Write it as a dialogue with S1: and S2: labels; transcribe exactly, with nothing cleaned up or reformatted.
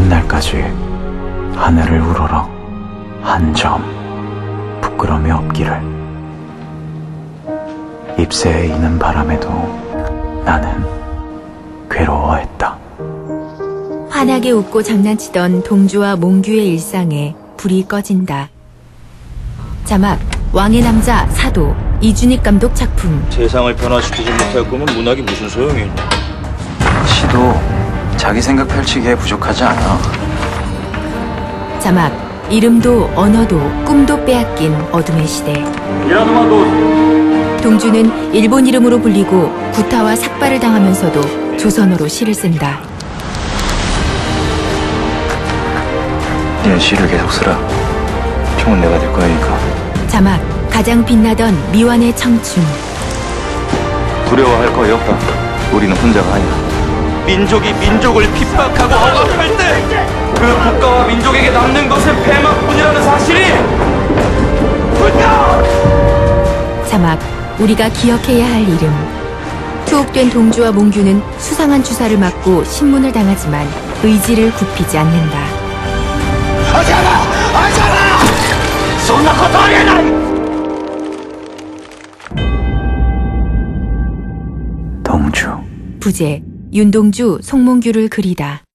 S1: 날까지 하늘을 우러러 한 점 부끄러움이 없기를. 잎새에 이는 바람에도 나는 괴로워했다.
S2: 환하게 웃고 장난치던 동주와 몽규의 일상에 불이 꺼진다. 자막 왕의 남자 사도 이준익 감독 작품.
S3: 세상을 변화시키지 못할 거면 문학이 무슨 소용이 있냐.
S1: 시도 자기 생각 펼치기에 부족하지 않아.
S2: 자막 이름도 언어도 꿈도 빼앗긴 어둠의 시대. 동주는 일본 이름으로 불리고 구타와 삭발을 당하면서도 조선어로 시를 쓴다.
S1: 네 시를 계속 쓰라. 총은 내가 될 거니까.
S2: 자막 가장 빛나던 미완의 청춘.
S1: 두려워할 거이 없다. 우리는 혼자가 아니야.
S3: 민족이 민족을 핍박하고 억압할 때 그 국가와 민족에게 남는 것은 패막뿐이라는 사실이 뭘까?
S2: 자막 우리가 기억해야 할 이름. 투옥된 동주와 몽규는 수상한 주사를 맞고 신문을 당하지만 의지를 굽히지 않는다.
S3: 하잖아! 하잖아! 손나 것도 아니야!
S1: 동주.
S2: 부제 윤동주, 송몽규를 그리다.